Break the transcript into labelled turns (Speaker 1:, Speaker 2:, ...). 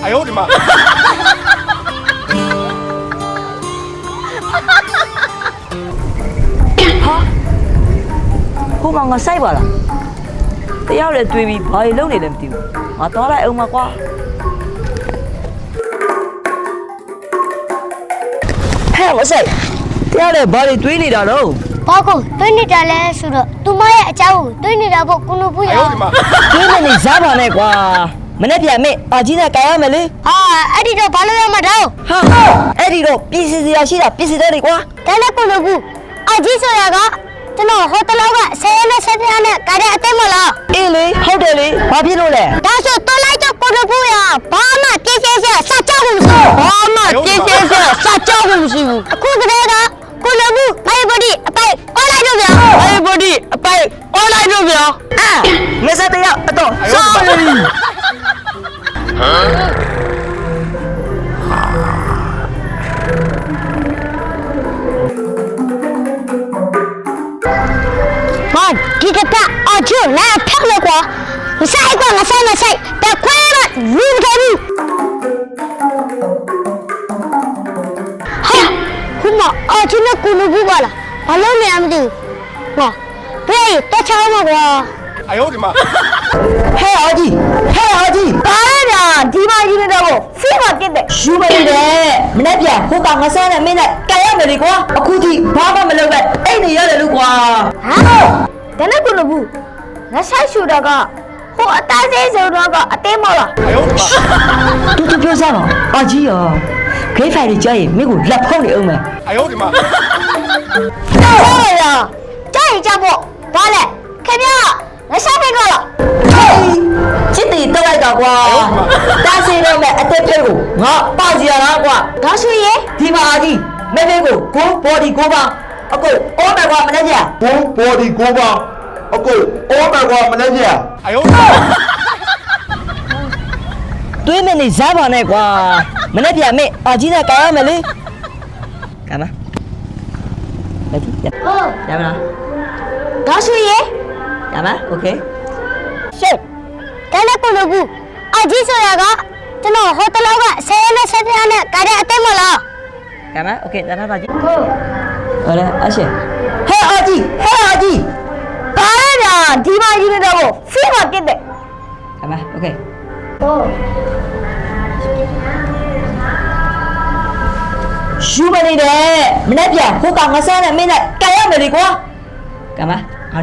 Speaker 1: 哎呦我的妈！
Speaker 2: ဟိုမှာငါစိုက်ပါလားတယောက်လည်းတွေးပြီးဘာလို့လုပ်နေလဲမသိဘူးငါသွားလိုက်အောင်ပါကွာဟဲ့မဆိုင်တယောက်လည်းဘာတွေတွေးနေတာတော့
Speaker 3: ဘာကိုတွေးနေတာလဲဆိုတော့သူမရဲ့အကြောင်းကိုတွေးနေတာပေါ့ကိုနိုဘူး
Speaker 1: 哎
Speaker 3: ရော
Speaker 1: 呦我的妈！
Speaker 2: တွေးနေစားပါနဲ့ကွာမနေ့ပြန်မေ့အာကြီးနဲ့ကြိုင်ရမယ်လေ
Speaker 3: ဟာအဲ့ဒီတော့ဘာလို့ရမှာတော့
Speaker 2: ဟာအဲ့ဒီတော့ပြည်စီစရာရှိတာပြည်စီတဲ့တွေကွာ
Speaker 3: ဒါနဲ့ကိုနိုဘူးအကြီးဆိုတာကကျွန်တော်ဟိုတလောကဆယ်ရက်နဲ့ဆက်ပြားနဲ့ကားတဲ့အသိမလား
Speaker 2: အေးလေဟုတ်တယ်လေဘာဖြစ်လို့လဲ
Speaker 3: ဒါဆိုတော်လိုက်တော့ကိုနိုဘူးရဘာမှပြည့်စဲစရာစကြောက်မှုမရှိဘူးဘာမှပြည့်စဲစရာစကြောက်မှုမရှိဘူးအခုကတည်းကကိုနိုဘူးမိုင်ဘဒီအပိုက်အော်လိုက်တော့ဗျာ
Speaker 2: အေးဘော်ဒီအပိုက်အွန်လိုင်းတော့ဗျာအာမစတဲ့ရအတော့ဆောင်းလေ
Speaker 3: ဟာဒီကတအကျိုးလာဖက်လို့ကွာမဆိုင်ကွာမဆိုင်တခွေးမလူတော်ဘူးဟာခုမအကျိုးနဲ့ကိုလူဘူးပါလားဘာလို့လဲမသိဘူးဟောဘယ်တော့ချောင်းမကွာ
Speaker 1: 哎呦我的妈！
Speaker 2: ဟဲ့အာကြီးဘာလဲညာဒီမကြီးနေတော့ဖိမတက်တယ်ယူမနေတယ်မနေ့ပြန်ဟိုကငါစားနဲ့မင်းနဲ့ကြိုင်ရမယ်လေကွာအခုထိဘာမှမလုပ်ပဲအိတ်နေရတယ်လို့ကွာ
Speaker 3: ဟာဒါနဲ့ကိုလူဘူးငါဆိုင်ရှူတော့ကဟိုအသားစိတ်ဆိုတော့ကအသေးမလား
Speaker 1: 哎呦我的妈！
Speaker 2: တူပြောစားပါအာကြီးရောဂိတ်ဖိုင်ကြီးကြားရင်မင်းကိုလက်ဖုံးနေအောင်မယ်
Speaker 1: 哎呦我的妈！
Speaker 3: ဟုတ်ရလားကြားရင်ကြားဖို့ဘာလဲခင်ဗျာငါဆိုင်ဖိတ်တော့လား
Speaker 2: ချစ်တီတော့လိုက်တော့ကွာတားစီတော့မဲ့အသက်ဖိတ်ကိုငါပေါက်စီရတာကွာ
Speaker 3: ဒါဆိုရင်
Speaker 2: ဒီမှာအာကြီးမဲမဲကိုကိုဘော်ဒီကိုပါအကိုအော်မယ်ကွာမနေ့ပြန်
Speaker 4: ကိုဘော်ဒီကိုပါအကိုအော်မယ်ကွာမနေ့က
Speaker 1: 哎呦我的妈！
Speaker 2: တွေးမနေစားပါနဲ့ကွာမနေ့ပြန်မေ့အာကြီးနဲ့ကြိုင်ရမယ်လေကမ်းမလက်ကြည့်ရမလား
Speaker 3: ဒါဆိုရင်
Speaker 2: ရမโอเค
Speaker 3: ရှစ်ဒါနဲ့ကိုလူဘူးအကြီးဆိုတာကကျွန်တော်ဟိုတလောကဆယ်ရက်နဲ့ဆက်ပြားနဲ့ကားတဲ့အသိမလား
Speaker 2: ကမ်းမโอเคတနာပါကြီး
Speaker 3: ဟုတ်
Speaker 2: ဟောလေအရှင်ဟဲ့အာကြီးဘာလဲညာဒီမကြီးနေတော့ဖိမတက်တယ်ကမ်းမโอเค
Speaker 3: ဟုတ်
Speaker 2: ယူမနေတယ်မနေ့ပြန်ဟိုကငါစားနဲ့မင်းနဲ့ကြိုင်ရမယ်လေကွာကမ်းမ